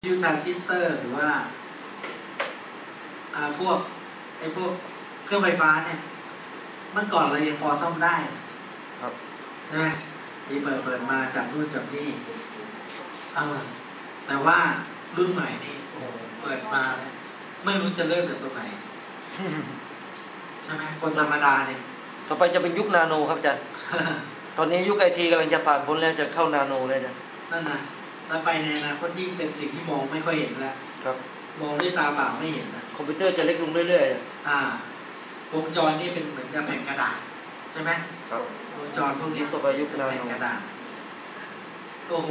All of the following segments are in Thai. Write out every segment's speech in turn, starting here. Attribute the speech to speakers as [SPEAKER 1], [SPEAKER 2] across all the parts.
[SPEAKER 1] ยูทรานซิสเตอร์หรือว่าพวกเครื่องไฟฟ้าเนี่ยเมื่อก่อนเรายังพอซ่อมได้ครับใช่ไหมที่เปิดมาจากนู่นจากนี่แต่ว่ารุ่นใหม่นี่โอ้เปิดมาเนี่ยไม่รู้จะเริ่มจากตรงไหนใช่ไหมคนธรรมดาเนี่ย
[SPEAKER 2] ต่อไปจะเป็นยุคนาโนครับอาจารย์ ตอนนี้ยุคไอทีกำลังจะผ่านพ้นแล้วจะเข้านาโนเลยนะ
[SPEAKER 1] นั่นนะแล้วไปในอนาคตยิ่งเป็นสิ่งที่มองไม่ค่อยเห็นแล้ว
[SPEAKER 2] ครับ
[SPEAKER 1] มองด้วยตาเปล่าไม่เห็นนะ
[SPEAKER 2] คอมพิวเตอร์จะเล็กลงเรื่อยๆ
[SPEAKER 1] วงจรนี่เป็นเหมือนกับแผ่นกระดาษใช่ไหม
[SPEAKER 2] ครับ
[SPEAKER 1] วงจรพวกนี้
[SPEAKER 2] ต่อไปยุคนาโน
[SPEAKER 1] แผ่นกระดาษโอ้โห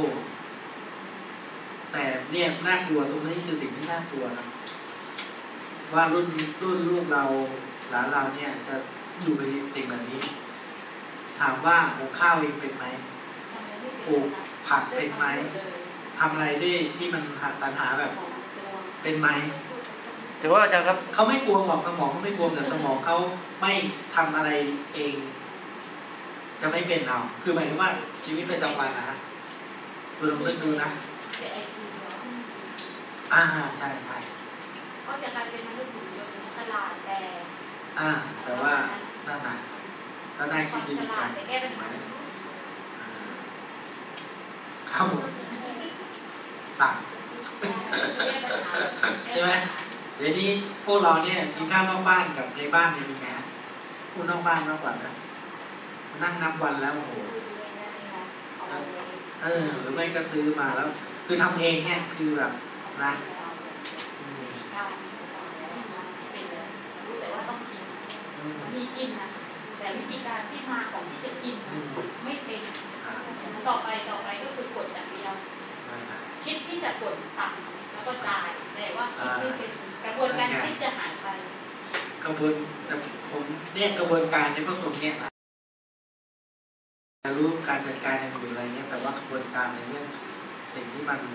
[SPEAKER 1] แต่เนี่ยน่ากลัวตรงนี้คือสิ่งที่น่ากลัวครับว่ารุ่นลูกเราหลานเราเนี่ยจะอยู่ในสิ่งแบบนี้ถามว่าหุงข้าวเองเป็นไหมปลูกผักเป็นไหมทำอะไรได้ที่มันตัณหาแบบเป็นไหม
[SPEAKER 2] ถือว่าอาจารย์ครับ
[SPEAKER 1] เขาไม่กลัวหรอกสมองเขาไม่กลัวแต่สมองเขาไม่ทำอะไรเองจะไม่เป็นเราคือหมายถึงว่าชีวิตประจำวันนะฮะคุณลองนึกดูนะใช่ใช่
[SPEAKER 3] ก็จะกลายเป็นมนุษย์หุ่นยนต์ฉลาด
[SPEAKER 1] แต่ว่านั่นนะก็ได้คิดดีกันไหมข้าวหมดสั่งใช่ไหมเดี๋ยวนี้พวกเราเนี่ยกินข้าวนอกบ้านกับในบ้านเนี่ยมีไงพูดนอกบ้านมากกว่านะนั่งนับวันแล้วโอ้โหหรือไม่ก็ซื้อมาแล้วคือทำเองเนี่ยคือแบบนะ
[SPEAKER 3] มีกินนะแต่วิธีการที่มาของที่จะกินไม่เป็นต่อไปก็คือกดอย่างเดียวคิดที่จะกดสั่งแล้วก็จ่ายแต่ว่าคิดไม่เป็นกระบวนการคิดจะหายไป
[SPEAKER 1] กระบวนผมเนี่ยกระบวนการในพวกตรงเนี้ยรู้การจัดการอย่างอื่นอะไรเงี้ยแต่ว่ากระบวนการในเรื่องสิ่งที่มัน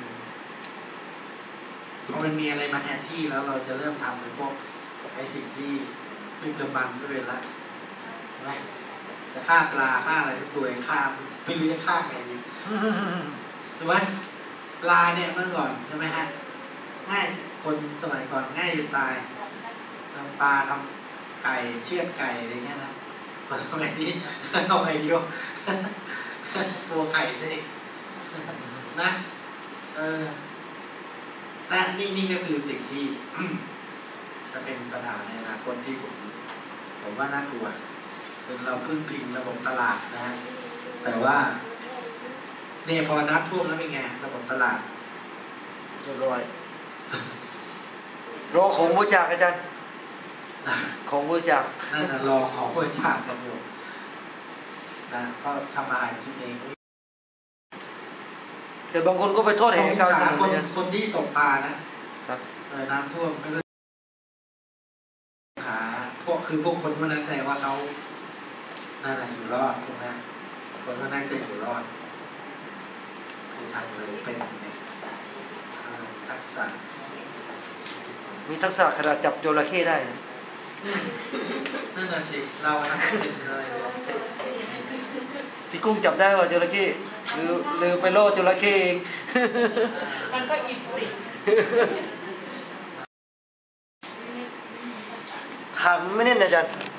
[SPEAKER 1] พอมันมีอะไรมาแทนที่แล้วเราจะเริ่มทำในพวกไอ้สิ่งที่ดึกดำบรรพ์ซะเป็นละนะจะฆ่าปลาฆ่าอะไรตัวเองฆ่าไม่รู้จะฆ่าไงดีถูกไหมปลาเนี่ยเมื่อก่อนใช่ไหมฮะง่ายคนสมัยก่อนง่ายจะตายทำปลาทำไก่เชือดไก่อะไรเงี้ยนะพอสมัยนี้เอาไงดีวะตัวไก่นี่นะและนี่ก็คือสิ่งที่จะเป็นปัญหาในอนาคตที่ผมว่าน่ากลัวเป็นเราพึ่งพิงระบบตลาดนะฮะแต่ว่าเนี่ยพอนับท่วมแล้วเป็นไงระบบตลาด
[SPEAKER 2] เรียบร้อยรอของบริจาคอาจารย์ของบริจาค
[SPEAKER 1] นั่นนะรอของบริจาคกันอยู่นะก็ทำอาหารกินเอง
[SPEAKER 2] แต่บางคนก็ไปโทษแห่งการ
[SPEAKER 1] คนที่ตกปลานะน้ำท่วมไม่รู้คือพวกคนพวกนั้นแต่ว่าเขาน่าจะอยู่รอดพวกนั้นคนพวกนั้นจะอยู่รอดคือทักษะเป็นเนี่ยทักษะ
[SPEAKER 2] มีทักษะขนาดจับจระเข้ได้
[SPEAKER 1] นั่นน่ะสิเราทำเป็นอะไร
[SPEAKER 2] พี่กุ้งจับได้ว่าจระเข้หรือไปโล่จระเข้เอง
[SPEAKER 3] มันก็อินสิ
[SPEAKER 2] ถามไม่แน่นอาจารย์